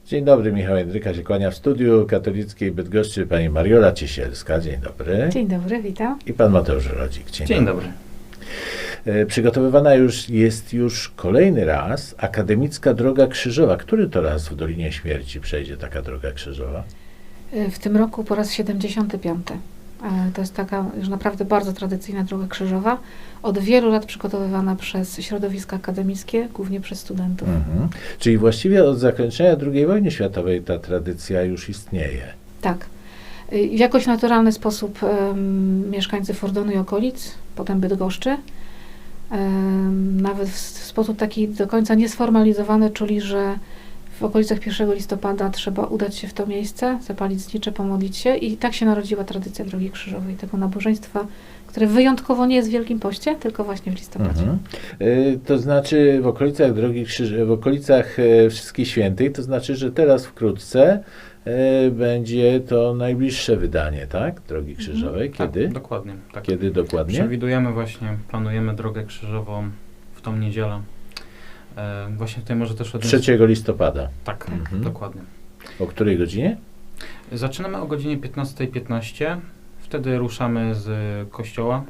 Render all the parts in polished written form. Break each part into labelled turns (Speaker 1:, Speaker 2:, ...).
Speaker 1: Dzień dobry, Michał Jędryka się kłania w studiu katolickiej Bydgoszczy pani Mariola Ciesielska. Dzień dobry.
Speaker 2: Dzień dobry, witam.
Speaker 1: I pan Mateusz Rodzik.
Speaker 3: Dzień dobry.
Speaker 1: Przygotowywana jest już kolejny raz akademicka droga krzyżowa. Który to raz w Dolinie Śmierci przejdzie taka droga krzyżowa?
Speaker 2: W tym roku po raz 75. To jest taka już naprawdę bardzo tradycyjna droga krzyżowa. Od wielu lat przygotowywana przez środowiska akademickie, głównie przez studentów.
Speaker 1: Mhm. Czyli właściwie od zakończenia II wojny światowej ta tradycja już istnieje.
Speaker 2: Tak. W jakoś naturalny sposób mieszkańcy Fordonu i okolic, potem Bydgoszczy, nawet w sposób taki do końca niesformalizowany, czuli, że w okolicach 1 listopada trzeba udać się w to miejsce, zapalić znicze, pomodlić się i tak się narodziła tradycja Drogi Krzyżowej, tego nabożeństwa, które wyjątkowo nie jest w Wielkim Poście, tylko właśnie w listopadzie.
Speaker 1: Mhm. To znaczy w okolicach Drogi Krzyżowej, w okolicach Wszystkich Świętych, to znaczy, że teraz wkrótce będzie to najbliższe wydanie, tak? Drogi Krzyżowej. Kiedy?
Speaker 3: Tak, dokładnie. Tak.
Speaker 1: Kiedy dokładnie?
Speaker 3: Przewidujemy właśnie, planujemy drogę krzyżową w tą niedzielę. Właśnie tutaj może też
Speaker 1: 3 listopada.
Speaker 3: Tak,
Speaker 1: Mhm.
Speaker 3: dokładnie.
Speaker 1: O której godzinie?
Speaker 3: Zaczynamy o godzinie 15:15. Wtedy ruszamy z kościoła.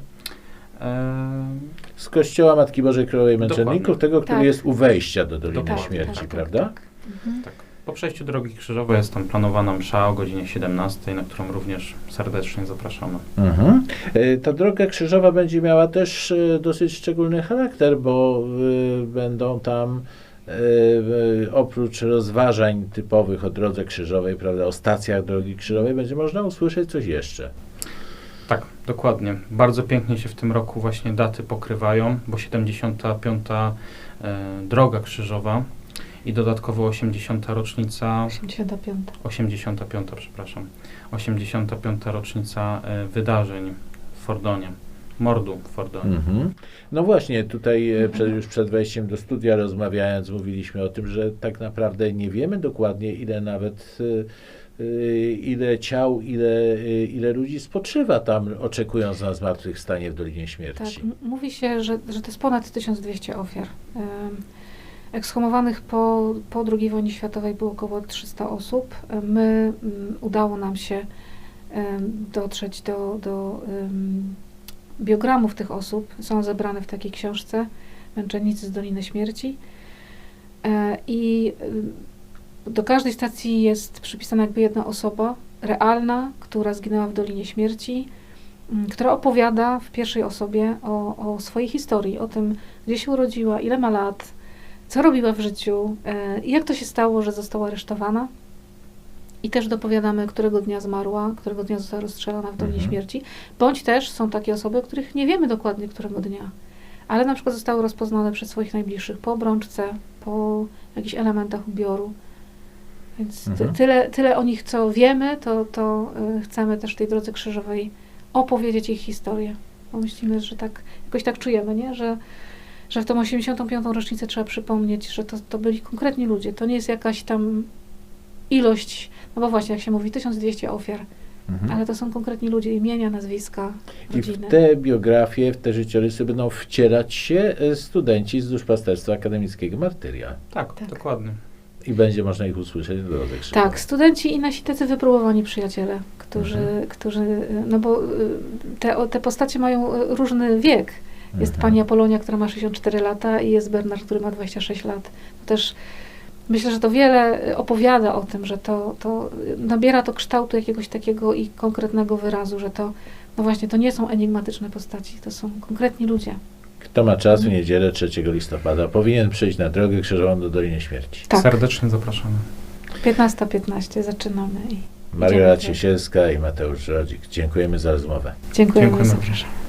Speaker 1: Z kościoła Matki Bożej Królowej Męczenników,
Speaker 3: Dokładnie.
Speaker 1: tego, który
Speaker 2: Tak.
Speaker 1: jest u wejścia do Doliny
Speaker 3: Dokładnie.
Speaker 1: Śmierci,
Speaker 2: Tak,
Speaker 1: prawda?
Speaker 2: tak. Mhm.
Speaker 3: Tak. Po przejściu drogi krzyżowej jest tam planowana msza o godzinie 17, na którą również serdecznie zapraszamy.
Speaker 1: Mhm. Ta droga krzyżowa będzie miała też dosyć szczególny charakter, bo będą tam oprócz rozważań typowych o drodze krzyżowej, prawda, o stacjach drogi krzyżowej, będzie można usłyszeć coś jeszcze.
Speaker 3: Tak, dokładnie. Bardzo pięknie się w tym roku właśnie daty pokrywają, bo 75. Droga krzyżowa i dodatkowo 80. rocznica,
Speaker 2: 85.
Speaker 3: 85. rocznica wydarzeń w Fordonie, mordu w Fordonie.
Speaker 1: Mhm. No właśnie, tutaj już przed wejściem do studia rozmawiając, mówiliśmy o tym, że tak naprawdę nie wiemy dokładnie, ile nawet ile ciał, ile ludzi spoczywa tam, oczekując na zmartwychwstanie w Dolinie
Speaker 2: Tak,
Speaker 1: Śmierci.
Speaker 2: mówi się, że to jest ponad 1200 ofiar. Ekshumowanych po II wojnie światowej było około 300 osób. Udało nam się dotrzeć do biogramów tych osób. Są zebrane w takiej książce Męczennicy z Doliny Śmierci. I do każdej stacji jest przypisana jakby jedna osoba realna, która zginęła w Dolinie Śmierci, która opowiada w pierwszej osobie o swojej historii, o tym, gdzie się urodziła, ile ma lat, co robiła w życiu i jak to się stało, że została aresztowana. I też dopowiadamy, którego dnia zmarła, którego dnia została rozstrzelana w Dolinie Śmierci. Bądź też są takie osoby, o których nie wiemy dokładnie, którego dnia, ale na przykład zostały rozpoznane przez swoich najbliższych po obrączce, po jakichś elementach ubioru. Więc tyle o nich, co wiemy, to chcemy też w tej Drodze Krzyżowej opowiedzieć ich historię. Bo myślimy, że jakoś tak czujemy, nie? Że w tą 85. rocznicę trzeba przypomnieć, że to byli konkretni ludzie. To nie jest jakaś tam ilość, no bo właśnie, jak się mówi, 1200 ofiar, ale to są konkretni ludzie, imienia, nazwiska, rodziny.
Speaker 1: I w te biografie, w te życiorysy będą wcierać się studenci z Duszpasterstwa Akademickiego Martyria.
Speaker 3: Tak, dokładnie.
Speaker 1: I będzie można ich usłyszeć w Drodze Krzyżowej.
Speaker 2: Tak, studenci i nasi tacy wypróbowani przyjaciele, którzy no bo te postacie mają różny wiek. Jest pani Apolonia, która ma 64 lata i jest Bernard, który ma 26 lat. To też myślę, że to wiele opowiada o tym, że to nabiera to kształtu jakiegoś takiego i konkretnego wyrazu, że no właśnie, to nie są enigmatyczne postaci, to są konkretni ludzie.
Speaker 1: Kto ma czas w niedzielę 3 listopada, powinien przyjść na Drogę Krzyżową do Doliny Śmierci.
Speaker 2: Tak.
Speaker 3: Serdecznie zapraszamy.
Speaker 2: 15:15 zaczynamy.
Speaker 1: Mariola Ciesielska i Mateusz Rodzik. Dziękujemy za rozmowę.
Speaker 2: Dziękujemy,
Speaker 3: Dziękujemy.
Speaker 2: zapraszam.